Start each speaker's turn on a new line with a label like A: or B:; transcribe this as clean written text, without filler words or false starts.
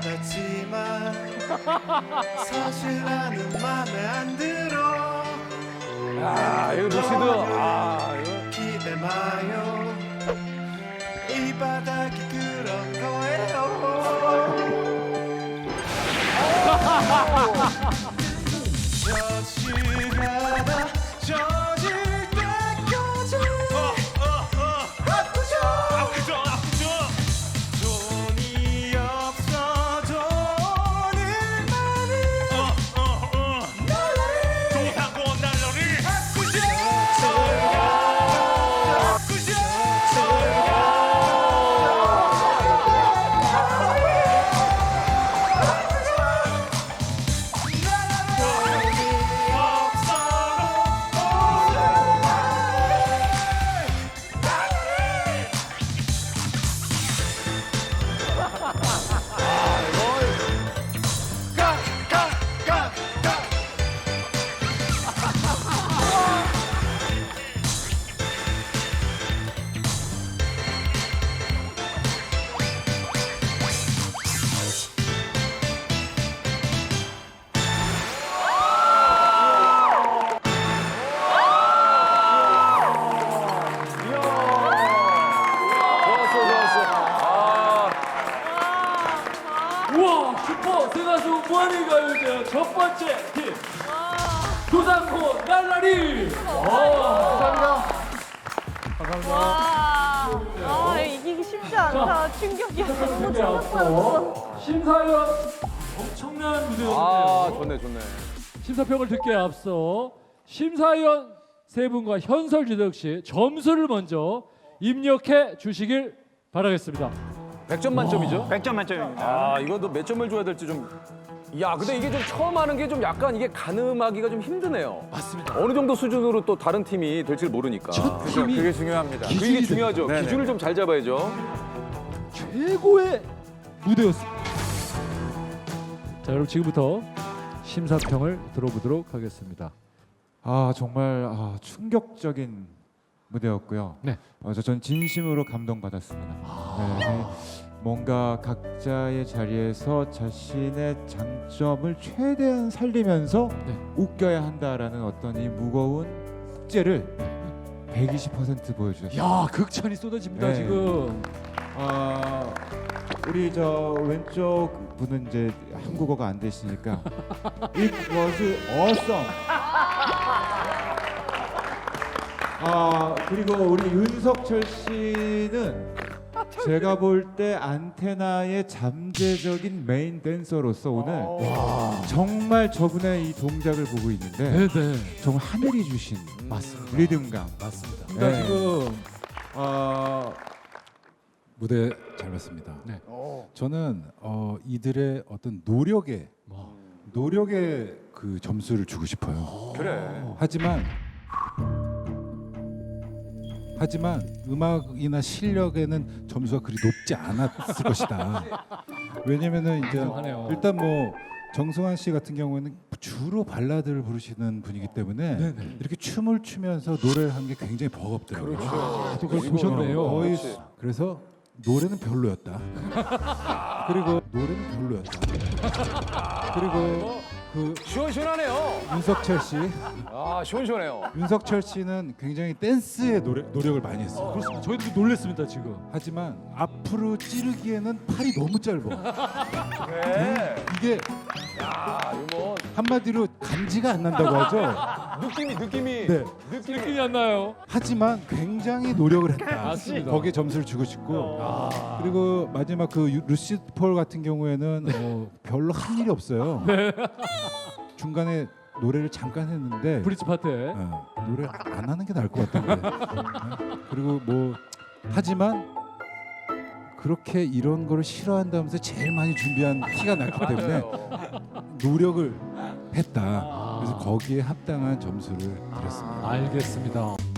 A: 받았지만 사실 나는 맘에 안 들어.
B: 아, 이거 루시드. 아, 이거.
A: 기대 마요. 이 바닥이 그런 거예요. 저지가다 젖을 때까지 아프죠. 돈이 없어도 오늘만은
C: 좋다고 날러리
D: 우와 슈퍼 대가수 무한의 가요제 첫 번째 팀 도산코 날라리.
E: 와, 이기기 쉽지 않다. 충격이야. 너무 충격받았어.
D: 심사위원 엄청난 무대였는데요.
B: 아, 좋네.
D: 심사평을 듣기에 앞서 심사위원 세 분과 현설 주덕 씨 점수를 먼저 입력해 주시길 바라겠습니다.
B: 100점 만점이죠?
C: 100점 만점입니다.
B: 아, 이거 너 몇 점을 줘야 될지 좀. 야, 근데 이게 좀 처음 하는 게 좀 약간 이게 가늠하기가 좀 힘드네요.
D: 맞습니다.
B: 어느 정도 수준으로 또 다른 팀이 될지 모르니까.
D: 첫 팀이
B: 그게 중요합니다.
D: 기준이
B: 그게 중요하죠.
D: 됩니다.
B: 기준을 좀 잘 잡아야죠.
D: 최고의 무대였습니다. 자, 여러분 지금부터 심사평을 들어보도록 하겠습니다.
F: 아 정말 충격적인 무대였고요.
D: 네.
F: 전 진심으로 감동받았습니다. 네, 뭔가 각자의 자리에서 자신의 장점을 최대한 살리면서
D: 네.
F: 웃겨야 한다라는 어떤 이 무거운 숙제를 120% 보여주셨어요.
D: 야, 극찬이 쏟아집니다
F: 네.
D: 지금.
F: 우리 저 왼쪽 분은 이제 한국어가 안 되시니까 It was awesome. 그리고 우리 윤석철 씨는 제가 볼 때 안테나의 잠재적인 메인 댄서로서 오늘 정말 저분의 이 동작을 보고 있는데
D: 네네.
F: 정말 하늘이 주신
D: 맞습니다.
F: 리듬감.
D: 맞습니다.
F: 네.
D: 그러니까 지금
G: 무대 잘 봤습니다.
D: 네.
G: 저는 이들의 어떤 노력에 그 점수를 주고 싶어요.
B: 그래.
G: 하지만 음악이나 실력에는 점수가 그리 높지 않았을 것이다. 왜냐면은 이제
D: 인정하네요.
G: 일단 뭐 정승환 씨 같은 경우에는 주로 발라드를 부르시는 분이기 때문에 이렇게 춤을 추면서 노래를 한 게 굉장히 버겁더라고요.
D: 또 그걸 보셨네요.
G: 거의 그래서 노래는 별로였다. 그리고 그
B: 시원시원하네요.
G: 윤석철 씨,
B: 아, 시원시원해요.
G: 윤석철 씨는 굉장히 댄스에 노력을 많이 했어요.
D: 그렇습니다. 저희도 놀랬습니다 지금.
G: 하지만 앞으로 찌르기에는 팔이 너무 짧아.
B: 그래.
G: 이게
B: 야, 이거 뭐
G: 한마디로 감지가 안 난다고 하죠.
B: 느낌이.
G: 네.
D: 느낌이 안 나요.
G: 하지만 굉장히 노력을 했다.
D: 맞습니다.
G: 거기에 점수를 주고 싶고 그리고 마지막 그 루시드 폴 같은 경우에는 별로 한 일이 없어요. 중간에 노래를 잠깐 했는데
D: 브릿지 파트에.
G: 노래 안 하는 게 나을 것 같은데. 그리고 뭐 하지만 그렇게 이런 거를 싫어한다면서 제일 많이 준비한 티가 났기 때문에 노력을 했다. 그래서 거기에 합당한 점수를 드렸습니다.
D: 알겠습니다.